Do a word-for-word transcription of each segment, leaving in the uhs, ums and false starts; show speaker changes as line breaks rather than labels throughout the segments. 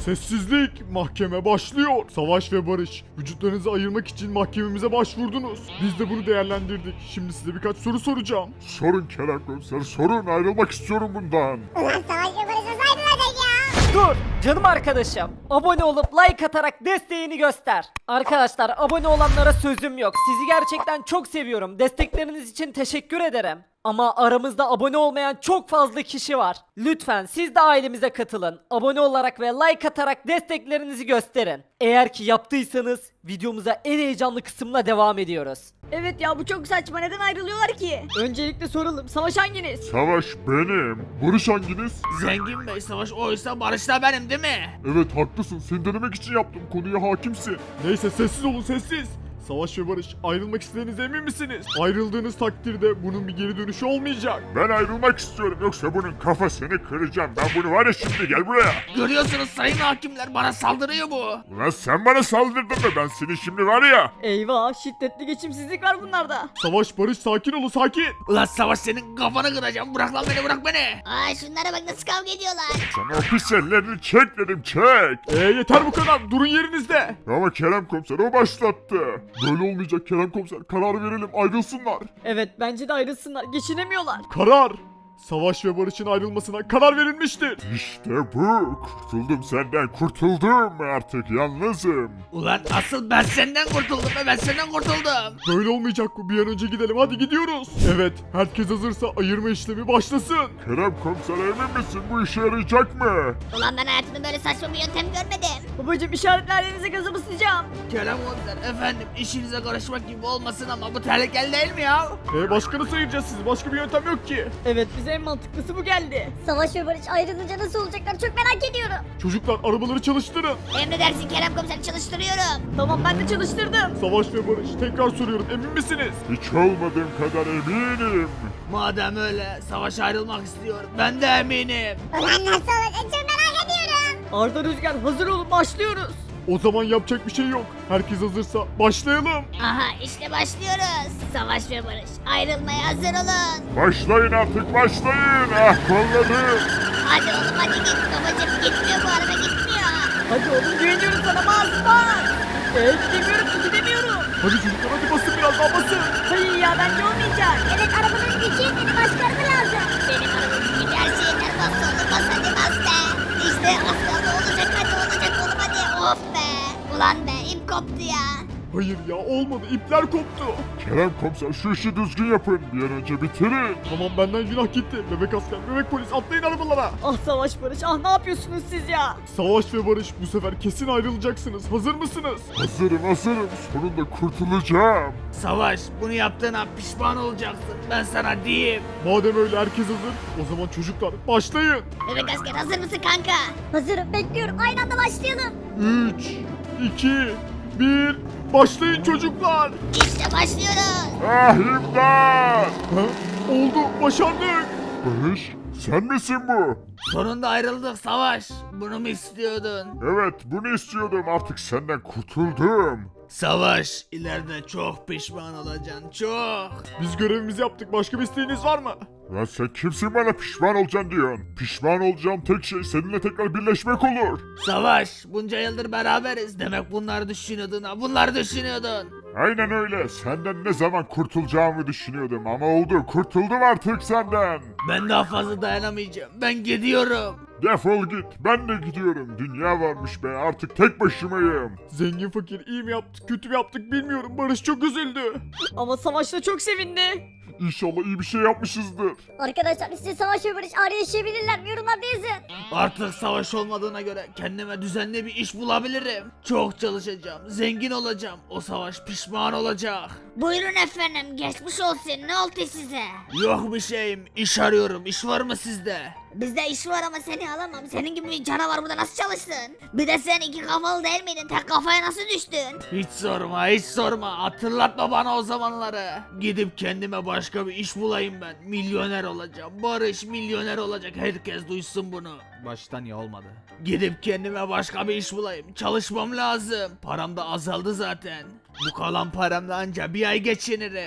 Sessizlik. Mahkeme başlıyor. Savaş ve Barış, vücutlarınızı ayırmak için mahkememize başvurdunuz. Biz de bunu değerlendirdik. Şimdi size birkaç soru soracağım.
Sorun Kerem Komiser, sorun. Ayrılmak istiyorum bundan.
Ulan Savaş ve Barış nasıl ayrılacak ya?
Dur canım arkadaşım. Abone olup like atarak desteğini göster. Arkadaşlar abone olanlara sözüm yok. Sizi gerçekten çok seviyorum. Destekleriniz için teşekkür ederim. Ama aramızda abone olmayan çok fazla kişi var. Lütfen siz de ailemize katılın. Abone olarak ve like atarak desteklerinizi gösterin. Eğer ki yaptıysanız videomuza en heyecanlı kısımla devam ediyoruz.
Evet ya bu çok saçma, neden ayrılıyorlar ki? Öncelikle soralım, Savaş hanginiz?
Savaş benim. Barış hanginiz?
Zengin Bey, Savaş oysa Barış da benim değil mi?
Evet haklısın. Seni denemek için yaptım. Konuya hakimsin.
Neyse sessiz olun sessiz. Savaş ve Barış, ayrılmak istediğinize emin misiniz? Ayrıldığınız takdirde bunun bir geri dönüşü olmayacak.
Ben ayrılmak istiyorum. Yoksa bunun kafasını kıracağım. Ben bunu var ya şimdi gel buraya.
Görüyorsunuz sayın hakimler, bana saldırıyor bu.
Ulan sen bana saldırdın mı? Ben seni şimdi var ya.
Eyvah, şiddetli geçimsizlik var bunlarda.
Savaş, Barış, sakin olun sakin.
Ulan Savaş, senin kafanı kıracağım, bırak lan beni, bırak beni.
Aa şunlara bak nasıl kavga ediyorlar.
Sana o pis ellerini çek dedim çek.
Ee yeter bu kadar, durun yerinizde.
Ama Kerem Komiser o başlattı. Böyle olmayacak Kerem Komiser. Karar verelim ayrılsınlar.
Evet, bence de ayrılsınlar, geçinemiyorlar.
Karar. Savaş ve Barış'ın ayrılmasına karar verilmiştir.
İşte bu. Kurtuldum senden kurtuldum. Artık yalnızım.
Ulan asıl ben senden kurtuldum be, ben senden kurtuldum.
Böyle olmayacak bu, bir an önce gidelim, hadi gidiyoruz. Evet, herkes hazırsa ayırma işlemi başlasın.
Kerem Komiser emin misin bu işe yarayacak mı?
Ulan ben hayatımda böyle saçma bir yöntem görmedim.
Babacım işaretlerinize gazımı sıcağım.
Kerem Komiser, efendim işinize karışmak gibi olmasın ama bu tehlikeli değil mi ya?
Ee başka nasıl ayıracağız sizi, başka bir yöntem yok ki.
Evet, bize en mantıklısı bu geldi.
Savaş ve Barış ayrılınca nasıl olacaklar çok merak ediyorum.
Çocuklar arabaları çalıştırın.
Emredersin Kerem Komiser, çalıştırıyorum.
Tamam, ben de çalıştırdım.
Savaş ve Barış, tekrar soruyorum, emin misiniz?
Hiç olmadığım kadar eminim.
Madem öyle, Savaş ayrılmak istiyor, ben de eminim.
Ulan nasıl olacak çok merak ediyorum.
Arda, Rüzgar, hazır olun, başlıyoruz.
O zaman yapacak bir şey yok. Herkes hazırsa başlayalım.
Aha işte başlıyoruz. Savaş ve Barış ayrılmaya hazır olun.
Başlayın artık başlayın. Ah kollarım.
Hadi oğlum hadi git babacım, gitmiyor bu araba gitmiyor.
Hadi oğlum, güveniyorum sana, bas bas. Ee, gidemiyorum ki, gidemiyorum.
Hadi çocuklar hadi basın, biraz daha basın.
Hayır ya, bence olmayacak.
Evet arabanın gücü yetmedi, başka araba lazım. Benim arabamın gücü her şeyinden bas oğlum, bas hadi bas be. İşte az kaldı, olacak hadi olacak oğlum hadi. Of be. Ulan be ip koptu ya.
Hayır ya, olmadı, ipler koptu.
Kerem Komiser şu işi düzgün yapın. Bir an önce bitirin.
Tamam, benden günah gitti. Bebek asker, bebek polis, atlayın arabalara.
Ah Savaş, Barış, ah ne yapıyorsunuz siz ya?
Savaş ve Barış, bu sefer kesin ayrılacaksınız. Hazır mısınız?
Hazırım hazırım. Sonunda kurtulacağım.
Savaş, bunu yaptığına pişman olacaksın, ben sana diyeyim.
Madem öyle herkes hazır, o zaman çocuklar başlayın.
Bebek asker hazır mısın kanka? Hazırım, bekliyorum, aynı anda başlayalım.
üç, iki, bir, başlayın çocuklar.
İşte başlıyoruz.
Ah imdat.
Ha? Oldu, başardık.
Barış sen misin bu?
Sonunda ayrıldık Savaş, bunu mu istiyordun?
Evet bunu istiyordum, artık senden kurtuldum.
Savaş, ileride çok pişman olacaksın, çok.
Biz görevimizi yaptık, başka bir isteğiniz var mı?
Lan sen kimsin bana pişman olacaksın diyorsun? Pişman olacağım tek şey seninle tekrar birleşmek olur.
Savaş, bunca yıldır beraberiz, demek bunları düşünüyordun ha, bunları düşünüyordun.
Aynen öyle. Senden ne zaman kurtulacağımı düşünüyordum ama oldu. Kurtuldum artık senden.
Ben daha fazla dayanamayacağım, ben gidiyorum.
Defol git. Ben de gidiyorum. Dünya varmış be. Artık tek başımayım.
Zengin fakir iyi mi yaptık, kötü mü yaptık bilmiyorum. Barış çok üzüldü.
Ama Savaş da çok sevindi.
İnşallah iyi bir şey yapmışızdır.
Arkadaşlar size Savaş ve Barış ayrı yaşayabilirler mi? Yorumlarda yazın.
Artık savaş olmadığına göre kendime düzenli bir iş bulabilirim. Çok çalışacağım, zengin olacağım, o savaş pişman olacak.
Buyurun efendim, geçmiş olsun, ne oldu size?
Yok bir şeyim, iş arıyorum, iş var mı sizde?
Bizde iş var ama seni alamam. Senin gibi bir canavar burada nasıl çalışsın? Bir de sen iki kafalı değil miydin? Tek kafaya nasıl düştün?
Hiç sorma, hiç sorma, hatırlatma bana o zamanları. Gidip kendime başka bir iş bulayım ben, milyoner olacağım, Barış milyoner olacak, herkes duysun bunu. Baştan ya olmadı. Gidip kendime başka bir iş bulayım, çalışmam lazım, param da azaldı zaten. Bu kalan paramla anca bir ay geçinirim.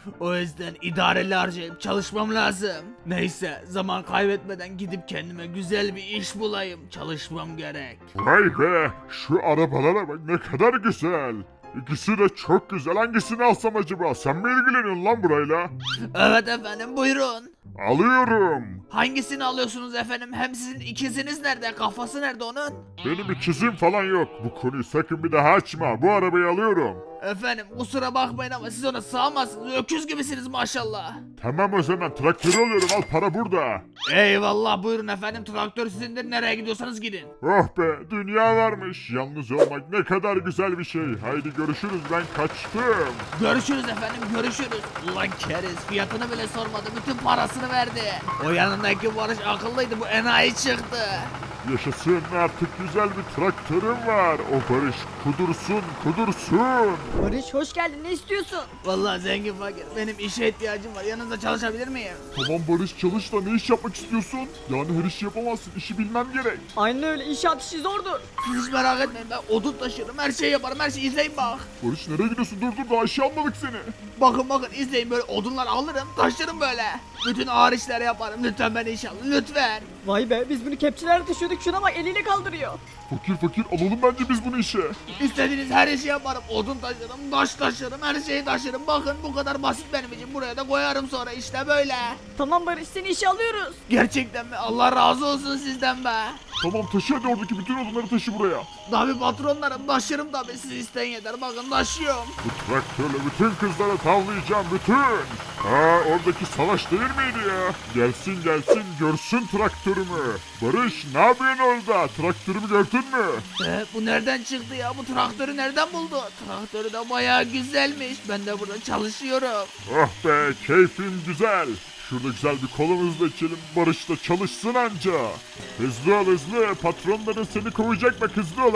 O yüzden idareli harcayıp çalışmam lazım. Neyse zaman kaybetmeden gidip kendime güzel bir iş bulayım. Çalışmam gerek.
Vay be, şu arabalara bak ne kadar güzel. İkisi de çok güzel. Hangisini alsam acaba? Sen mi ilgileniyorsun lan burayla?
Evet efendim buyurun.
Alıyorum.
Hangisini alıyorsunuz efendim? Hem sizin ikiziniz nerede? Kafası nerede onun?
Benim ikizim falan yok. Bu konuyu sakın bir daha açma. Bu arabayı alıyorum.
Efendim kusura bakmayın ama siz ona sığamazsınız. Öküz gibisiniz maşallah.
Tamam o zaman traktörü alıyorum. Al para burada.
Eyvallah buyurun efendim. Traktör sizindir. Nereye gidiyorsanız gidin.
Oh be, dünya varmış. Yalnız olmak ne kadar güzel bir şey. Haydi görüşürüz, ben kaçtım.
Görüşürüz efendim görüşürüz. Ulan keriz fiyatını bile sormadı. Bütün parasını verdi. O yanındaki Barış akıllıydı. Bu enayi çıktı.
Yaşasın, artık güzel bir traktörüm var. O Barış kudursun kudursun.
Barış hoş geldin ne istiyorsun?
Vallahi zengin fakir. Benim işe ihtiyacım var. Yanınızda çalışabilir miyim?
Tamam Barış, çalış da ne iş yapmak istiyorsun? Yani her işi yapamazsın, işi bilmem gerek.
Aynen öyle inşaat işi zordur.
Siz hiç merak etmeyin. Ben odun taşırım. Her şeyi yaparım. Her şeyi izleyin bak.
Barış nereye gidiyorsun? Dur dur, daha işe almadık seni.
Bakın bakın izleyin böyle odunlar alırım. Taşırım böyle. Bütün ağır işleri yaparım. Lütfen beni işe alın. Lütfen.
Vay be biz bunu kepçelerle taşıyorduk şuna bak eliyle kaldırıyor.
Fakir fakir alalım bence biz bunu işe.
İstediğiniz her işi yaparım. Odun taşırım, taş taşırım, her şeyi taşırım. Bakın bu kadar basit benim için. Buraya da koyarım sonra işte böyle.
Tamam Barış seni işe alıyoruz.
Gerçekten mi? Allah razı olsun sizden be.
Tamam taşı, hadi oradaki bütün odunları taşı buraya.
Tabi patronlarım taşırım tabi. Siz isteyin yeter. Bakın taşıyorum.
Bu traktörle bütün kızları tavlayacağım bütün. Ha, oradaki Savaş değil miydi ya? Gelsin gelsin görsün traktörümü. Barış ne yapıyorsun orada? Traktörümü gördün mü?
Ee, bu nereden çıktı ya? Bu traktörü nereden buldu? Traktörü de bayağı güzelmiş. Ben de burada çalışıyorum.
Oh be, keyfim güzel. Şurada güzel bir kolumuzla içelim, Barış da çalışsın anca. Hızlı ol hızlı, patronların seni kovacak bak, hızlı ol.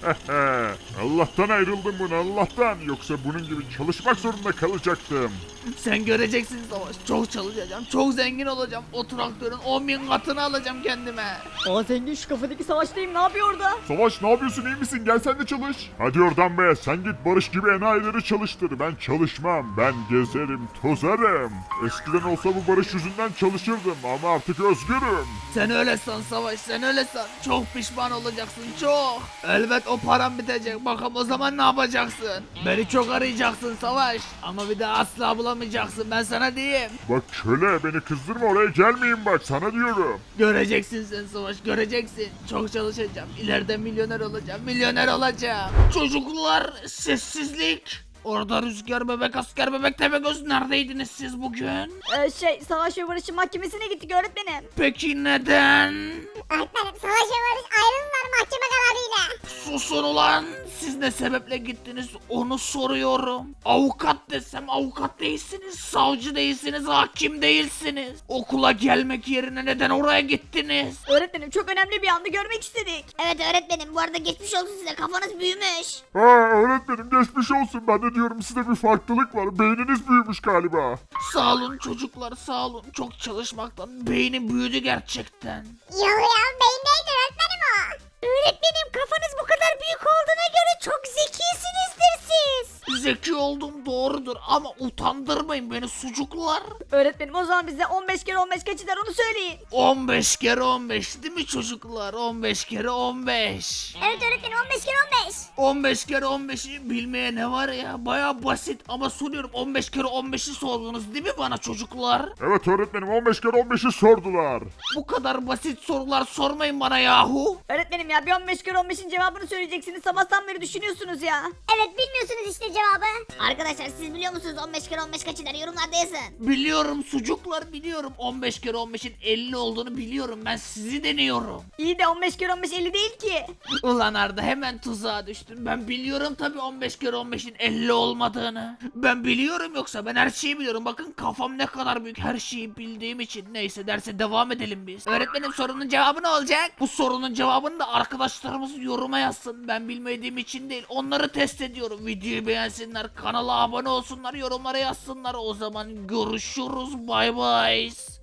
Allah'tan ayrıldım bunu, Allah'tan. Yoksa bunun gibi çalışmak zorunda kalacaktım.
Sen göreceksin Savaş. Çok çalışacağım. Çok zengin olacağım. O traktörün on bin katını alacağım kendime.
Aa zengin şu kafadaki savaştayım ne yapıyor orada?
Savaş ne yapıyorsun, iyi misin? Gel sen de çalış. Hadi oradan be, sen git Barış gibi enayileri çalıştır. Ben çalışmam, ben gezerim, tozarım. Eskiden olsa bu Barış yüzünden çalışırdım ama artık özgürüm.
Sen öyle san Savaş, sen öyle san. Çok pişman olacaksın, çok. Elbet o param bitecek. Bakalım o zaman ne yapacaksın? Beni çok arayacaksın Savaş. Ama bir daha asla bulamayacaksın, ben sana diyeyim.
Bak köle, beni kızdırma, oraya gelmeyin bak, sana diyorum.
Göreceksin sen Savaş, göreceksin. Çok çalışacağım. İleride milyoner olacağım, milyoner olacağım. Çocuklar, sessizlik. Orada Rüzgar bebek, asker bebek, Tepegöz neredeydiniz siz bugün?
Ee, şey Savaş ve Barış'ın mahkemesine gittik öğretmenim.
Peki neden?
Öğretmenim Savaş ve Barış ayrıldılar mahkeme kararıyla.
Susun ulan! Siz ne sebeple gittiniz onu soruyorum. Avukat desem avukat değilsiniz, savcı değilsiniz, hakim değilsiniz. Okula gelmek yerine neden oraya gittiniz?
Öğretmenim çok önemli bir anda görmek istedik.
Evet öğretmenim bu arada geçmiş olsun size kafanız büyümüş.
Ha öğretmenim, geçmiş olsun, ben de diyorum size bir farklılık var, beyniniz büyümüş galiba.
Sağ olun çocuklar, sağ olun. Çok çalışmaktan beynim büyüdü gerçekten.
Yok ya beyindeydi öğretmenim o. Öğretmenim kafanız bu kadar büyük olduğuna göre çok zekisinizdir siz.
Zeki oldum doğrudur ama utandırmayın beni sucuklar.
Öğretmenim o zaman bize on beş kere on beş kaç eder onu söyleyin.
on beş kere on beş değil mi çocuklar? on beş kere on beş.
Evet öğretmenim on beş kere on beş.
on beş kere on beşi bilmeye ne var ya? Baya basit ama soruyorum, on beş kere on beşi sordunuz değil mi bana çocuklar?
Evet öğretmenim, on beş kere on beşi sordular.
Bu kadar basit sorular sormayın bana yahu.
Öğretmenim ya bir on beş kere on beşin cevabını söyleyeceksiniz sabahtan beri düşünüyorsunuz ya.
Evet bilmiyorsunuz işte cevabı. Arkadaşlar siz biliyor musunuz on beş kere on beş kaç eder yorumlarda yazın.
Biliyorum sucuklar biliyorum. on beş kere on beşin elli olduğunu biliyorum. Ben sizi deniyorum.
İyi de on beş kere on beş elli değil ki.
Ulan Arda hemen tuzağa düştün. Ben biliyorum tabii on beş kere on beşin elli olmadığını. Ben biliyorum, yoksa ben her şeyi biliyorum. Bakın kafam ne kadar büyük, her şeyi bildiğim için. Neyse derse devam edelim biz. Öğretmenim sorunun cevabı ne olacak? Bu sorunun cevabını da arkadaşlarımız yoruma yazsın. Ben bilmediğim için değil. Onları test ediyorum. Videoyu beğensinler, kanala abone olsunlar, yorumlara yazsınlar. O zaman görüşürüz. Bay bay.